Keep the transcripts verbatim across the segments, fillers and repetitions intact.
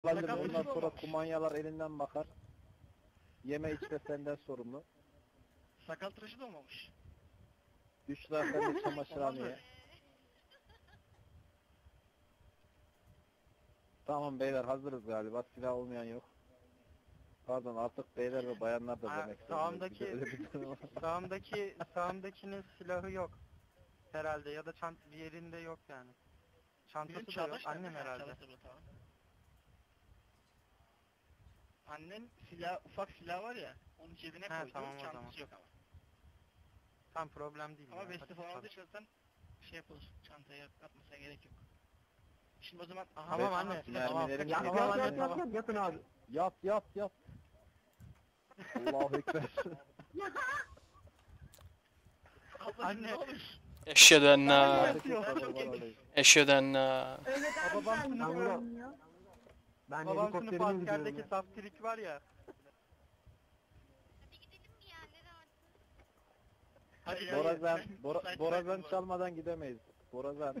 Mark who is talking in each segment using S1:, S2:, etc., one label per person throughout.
S1: Ondan
S2: Sakal
S1: sonra kumanyalar elinden bakar. Yeme içme senden sorumlu.
S2: Sakal tıraşı da olmamış.
S1: Büşra sen de çamaşırhaneye. Tamam beyler hazırız galiba. Silah olmayan yok. Pardon artık beyler ve bayanlar da
S3: Ha,
S1: demek zorunda.
S3: sağımdaki-
S1: Bir de öyle bir durum var.
S3: Sağımdaki, sağımdakinin silahı yok. Herhalde ya da çant bir yerinde yok yani. Çantası
S2: Bizim
S3: da yok.
S2: Çağdaş
S3: Annem
S2: nerede?
S3: herhalde.
S2: Çağdaş da burada, tamam. Annen silah, ufak silah var ya, onu cebine
S3: He,
S2: koydu,
S3: tamam o
S2: çantası
S3: zaman.
S2: yok ama.
S3: Tam problem değil.
S2: Ama
S3: ya.
S2: vesti
S3: Hadi
S2: falan
S3: çalış.
S2: aldıysan şey yapılır, çantaya atmasına gerek yok. Şimdi o zaman... Aha,
S3: Tamam
S2: aha,
S3: anne.
S2: silah-
S3: Tamam.
S1: mermilerim
S3: Tamam,
S1: yok.
S3: tamam,
S1: Yat,
S3: anne,
S1: yat,
S3: tamam.
S4: Yatın abi.
S1: Yat yat yat. Allahu Ekber.
S2: Ablacım,
S3: Anne.
S2: ne olur?
S5: Eşhedü enne
S3: Yatıyor.
S5: Eşhedü enne
S6: Öyle daha
S3: Babam
S6: güzel
S3: sınıfı-
S6: görünüyor.
S4: Ben
S3: Babam sınıfı
S4: helikopterime gidiyorum.
S3: askerdeki saftirik var ya.
S2: Hadi ya,
S1: Borazan,
S2: sen-
S1: Bora,
S2: sen-
S1: Borazan
S2: sen-
S1: çalmadan gidemeyiz. Borazan.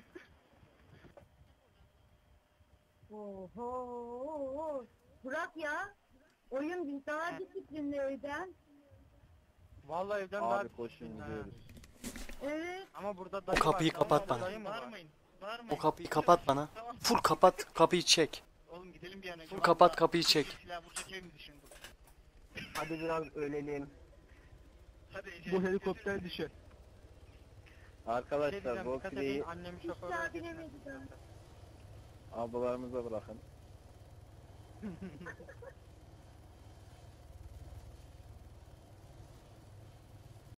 S6: Oho. Bırak ya. Oyun biz daha disiplinli evden.
S3: Vallahi evden daha
S1: Abi koşun
S3: Ha.
S1: gidiyoruz.
S6: Evet.
S3: Ama burada dayı
S5: kapıyı
S3: var.
S5: kapat
S3: Tamam,
S5: bana.
S3: dayı mı var?
S2: Bağırmayın, bağırmayın.
S5: O kapıyı kapat bana.
S2: Tamam.
S5: Full kapat kapıyı çek.
S2: Oğlum gidelim bir an önce.
S5: Full kapat
S2: Vallahi
S5: kapıyı çek.
S2: Silah vuracak ev mi düşündün?
S4: Hadi biraz ölelim.
S2: Hadi Ece.
S4: Bu helikopter düşer.
S3: Bir şey
S1: Arkadaşlar
S3: diyeceğim, dikkat
S1: roleplay
S3: edin, annem şoför
S6: İşler
S3: öğretmeni.
S6: binemedi daha.
S1: ablalarımıza bırakın.